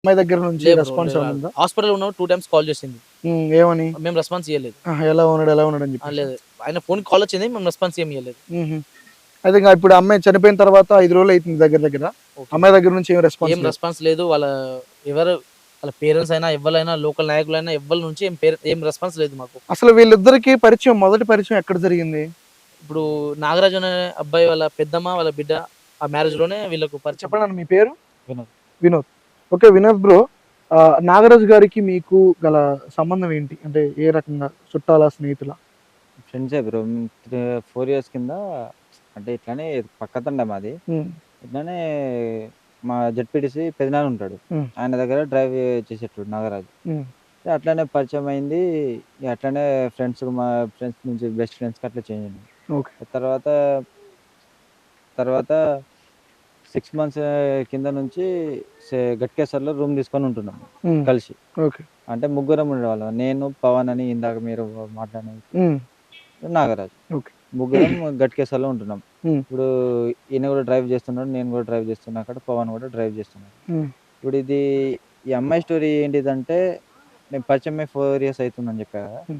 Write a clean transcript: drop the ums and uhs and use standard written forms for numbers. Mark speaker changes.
Speaker 1: అమ్మాయి దగ్గర నుంచి
Speaker 2: లేదు బ్రో.
Speaker 1: రెస్పాన్స్ ఏమైనా ఉందా?
Speaker 2: హాస్పిటల్‌లో ఉన్నప్పుడు 2 టైమ్స్ కాల్ చేసింది.
Speaker 1: ఏమని?
Speaker 2: మేము రెస్పాన్స్ ఇయ్యలేదు.
Speaker 1: ఎలా ఉన్నాడు? ఎలా ఉన్నాడు అని చెప్పేసా?
Speaker 2: లేదు. ఆయన ఫోన్‌కి కాల్ వచ్చింది. మేము రెస్పాన్స్ ఏమి ఇయ్యలేదు.
Speaker 1: హుహు. అయితే ఇంగ ఇప్పుడు అమ్మాయి చనిపోయిన తర్వాత 5 రోజులు అయితుంది దగ్గర దగ్గర.
Speaker 2: ఓకే.
Speaker 1: అమ్మాయి దగ్గర నుంచి ఏం రెస్పాన్స్
Speaker 2: ఏం
Speaker 1: లేదు.
Speaker 2: రెస్పాన్స్ లేదు. వాళ్ళ పేరెంట్స్ అయినా, ఎవ్వలైనా లోకల్ నాయకులైనా ఎవ్వరి నుంచి ఏం రెస్పాన్స్ లేదు మాకు.
Speaker 1: అసలు వీళ్ళిద్దరికి పరిచయం మొదటి పరిచయం ఎక్కడ జరిగింది?
Speaker 2: ఇప్పుడు నాగరాజు అనే అబ్బాయి వాళ్ళ పెద్దమ్మ, వాళ్ళ బిడ్డ ఆ మ్యారేజ్‌లోనే వీళ్ళకు పరిచయం.
Speaker 1: చెప్పండి మీ పేరు?
Speaker 2: వినోద్.
Speaker 1: వినోద్. ఓకే. వినోద్ బ్రో. నాగరాజు గారికి మీకు గల సంబంధం ఏంటి? అంటే ఏ రకంగా చుట్టాలా? స్నేహితులా?
Speaker 3: ఫ్రెండ్సే బ్రో. 4 ఇయర్స్ కింద అంటే ఇట్లనే పక్కతండ మాది.
Speaker 1: హ్మ్.
Speaker 3: ఇట్లనే మా జెడ్పీటీసీ పెదనాన్న ఉంటాడు.
Speaker 1: హ్మ్.
Speaker 3: ఆయన దగ్గర డ్రైవ్ చేసేటోడు నాగరాజు.
Speaker 1: హ్మ్.
Speaker 3: అట్లనే పరిచయం అయింది. ఇగ అట్లనే మా ఫ్రెండ్స్ నుంచి బెస్ట్ ఫ్రెండ్స్‌కి అట్లా చేంజ్ అయినాం.
Speaker 1: ఓకే.
Speaker 3: తర్వాత, తర్వాత 6 మంత్స్ కింద నుంచి గట్కేసర్‌లో రూమ్ తీసుకొని ఉంటున్నాం
Speaker 1: హ్మ్.
Speaker 3: కలిసి.
Speaker 1: ఓకే.
Speaker 3: అంటే ముగ్గురం ఉండేవాళ్ళం. నేను, పవన్ అని ఇందాక మీరు మాట్లాడిన వ్యక్తి,
Speaker 1: హ్మ్.
Speaker 3: నాగరాజు.
Speaker 1: ఓకే.
Speaker 3: ముగ్గురం గట్కేసర్‌లో ఉంటున్నాం.
Speaker 1: హ్మ్.
Speaker 3: ఇప్పుడు ఈయన కూడా డ్రైవ్ చేస్తున్నాడు. నేను కూడా డ్రైవ్ చేస్తున్నా అక్కడ. పవన్ కూడా డ్రైవ్ చేస్తున్నాడు.
Speaker 1: హ్మ్.
Speaker 3: ఇప్పుడు ఈ అమ్మాయి స్టోరీ ఏంటిదంటే, మేము పరిచయమై 4 ఇయర్స్ అయితుందని చెప్పా కదా!
Speaker 1: హ్మ్.